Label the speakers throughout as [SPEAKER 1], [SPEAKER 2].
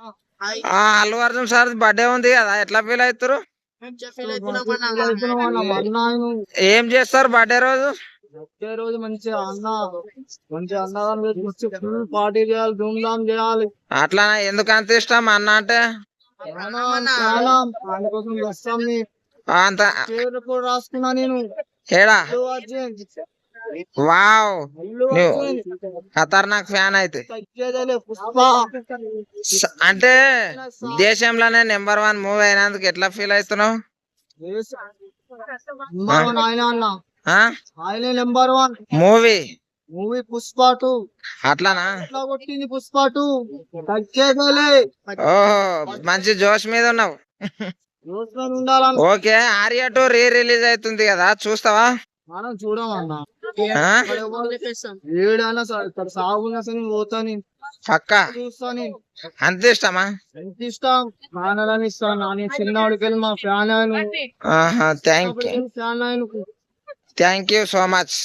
[SPEAKER 1] Allu Arjun sir birthday ఉంది కదా, ఎట్లా ఫీల్ అవుతారు? ఏం చేస్తారు బర్త్డే రోజు?
[SPEAKER 2] ఒకే రోజు మంచిగా అన్నదానం ఫుల్ పార్టీ చేయాలి, ధూమ్ ధామ్ చేయాలి.
[SPEAKER 1] అట్లా ఎందుకు అంత ఇష్టం అన్న అంటే?
[SPEAKER 2] ఆయన కోసం వస్తాం.
[SPEAKER 1] అంత
[SPEAKER 2] పేరు కూడా రాసుకున్నా నేను.
[SPEAKER 1] ఏడా?
[SPEAKER 2] అల్లు అర్జున్.
[SPEAKER 1] వావ్,
[SPEAKER 2] అల్లు
[SPEAKER 1] నువ్వు
[SPEAKER 2] అర్జున్.
[SPEAKER 1] ఖతర్నాక్ ఫ్యాన్ అయితే.
[SPEAKER 2] తగ్గేదేలే పుష్ప.
[SPEAKER 1] అంటే దేశంలోనే నెంబర్ 1 మూవీ అయినందుకు ఎట్లా ఫీల్ అవుతున్నావు?
[SPEAKER 2] ఆయన అన్న ఆయనే నెంబర్ 1
[SPEAKER 1] మూవీ
[SPEAKER 2] పుష్ప 2.
[SPEAKER 1] అట్లానా?
[SPEAKER 2] ఎట్లా కొట్టింది పుష్ప 2. తగ్గేదేలే.
[SPEAKER 1] ఓహో, మంచి జోష్ మీద ఉన్నావు.
[SPEAKER 2] ఉండాలని.
[SPEAKER 1] ఓకే, ఆర్య 2 రిలీజ్ అవుతుంది కదా, చూస్తావా?
[SPEAKER 2] మనం చూడమన్నా.
[SPEAKER 1] ఆ?
[SPEAKER 2] ఏడైనా సాగున్నా సరే పోతాను,
[SPEAKER 1] పక్కా
[SPEAKER 2] చూస్తాను.
[SPEAKER 1] అంత ఇష్టమా?
[SPEAKER 2] ఎంత ఇష్టం. ఫ్యాన్ ఇస్తాను. నేను చిన్నవాడికి వెళ్ళి మా ఫ్యాన్ ఆయన.
[SPEAKER 1] Thank you so much.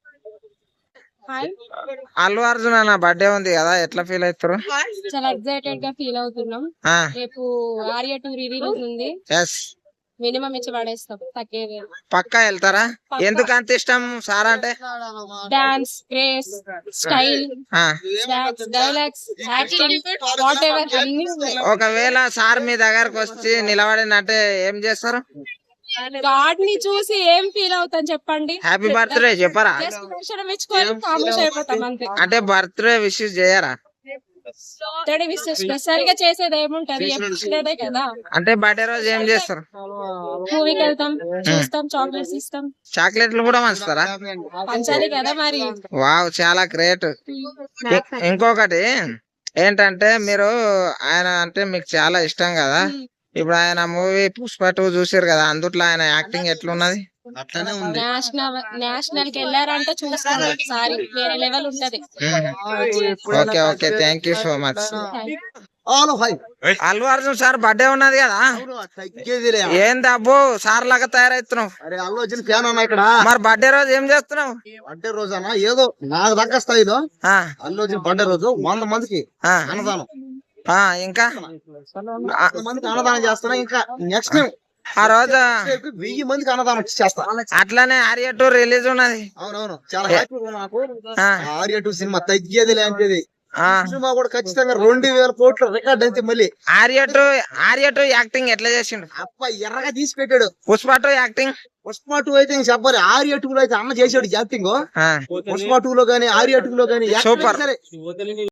[SPEAKER 1] Allu Arjun అన్న బర్త్డే ఉంది కదా, ఎట్లా ఫీల్ అవుతారు?
[SPEAKER 3] చాలా ఎక్సైటెడ్ గా ఫీల్ అవుతున్నాం. రేపు ఆర్య 2 రిలీజ్ ఉంది. మినిమం ఇచ్చి పడేస్తాం, తగ్గేది.
[SPEAKER 1] పక్కా వెళ్తారా? ఎందుకు అంత ఇష్టం సార్ అంటే?
[SPEAKER 3] Dance, grace, style, dialogues, acting, whatever అన్ని.
[SPEAKER 1] ఒకవేళ సార్ మీ దగ్గరకు వచ్చి నిలబడినంటే ఏం చేస్తారు?
[SPEAKER 3] గాడ్ ని చూసి ఏం ఫీల్ అవుతాం చెప్పండి?
[SPEAKER 1] హ్యాపీ బర్త్డే చెప్పరా?
[SPEAKER 3] దర్శనం ఇచ్చుకొని కామేష్ అయిపోతాం అంతే.
[SPEAKER 1] అంటే బర్త్డే విషెస్ చేయరా?
[SPEAKER 3] స్పెషల్ గా చేసేది ఏముంటది, ఎప్పుడే కదా.
[SPEAKER 1] అంటే బర్త్డే రోజు ఏం చేస్తారు?
[SPEAKER 3] మూవీకి వెళ్తాం, చూస్తాం, చాక్లెట్స్ ఇస్తాం.
[SPEAKER 1] చాక్లెట్లు కూడా పంచుతారా?
[SPEAKER 3] పంచాలి కదా మరి.
[SPEAKER 1] వావ్, చాలా గ్రేట్. ఇంకొకటి ఏంటంటే, మీరు ఆయన అంటే మీకు చాలా ఇష్టం కదా, ఇప్పుడు ఆయన మూవీ పుష్ప 2 చూసారు కదా, అందుట్లో ఆయన యాక్టింగ్ ఎట్లున్నది?
[SPEAKER 3] నేషనల్ కి వెళ్ళారంటే చూస్తాం ఒకసారి, వేరే లెవెల్ ఉంటది.
[SPEAKER 1] Okay okay, thank you so much. Allu Arjun sir birthday ఉన్నది కదా, ఏంది అబ్బో సార్ లాగా తయారవుతున్నావు?
[SPEAKER 2] అరే అల్లు అర్జున్ ఫ్యాన్ అన్నా ఇక్కడ.
[SPEAKER 1] మరి బర్త్డే రోజు ఏం చేస్తున్నావు?
[SPEAKER 2] బర్త్డే రోజు అన్నా ఏదో నాకు దక్క స్థాయిలో అల్లు అర్జున్ బర్త్డే రోజు 100 మందికి అన్నదానం.
[SPEAKER 1] ఇంకా
[SPEAKER 2] 100 మందికి అన్నదానం చేస్తున్నా. ఇంకా నెక్స్ట్
[SPEAKER 1] ఆ రోజు
[SPEAKER 2] 1000 మందికి అన్నదానం చేస్తా.
[SPEAKER 1] అట్లానే ఆర్య 2 రిలీజ్ ఉన్నది.
[SPEAKER 2] అవునవును, చాలా హ్యాపీగా నాకు. ఆర్య 2 సినిమా తగ్గేది లాంటిది. సినిమా కూడా ఖచ్చితంగా 2000 కోట్ల రికార్డ్ అయితే. మళ్ళీ
[SPEAKER 1] ఆర్య 2 యాక్టింగ్ ఎట్లా చేసిండు?
[SPEAKER 2] అప్ప ఎర్రగా తీసి పెట్టాడు.
[SPEAKER 1] పుష్ప 2 యాక్టింగ్.
[SPEAKER 2] పుష్ప 2 అయితే చెప్పాలి. ఆర్య 2 లో అయితే అన్న చేసాడు యాక్టింగ్. పుష్ప 2 లో గానీ ఆర్య 2 లో గానీ
[SPEAKER 1] సూపర్.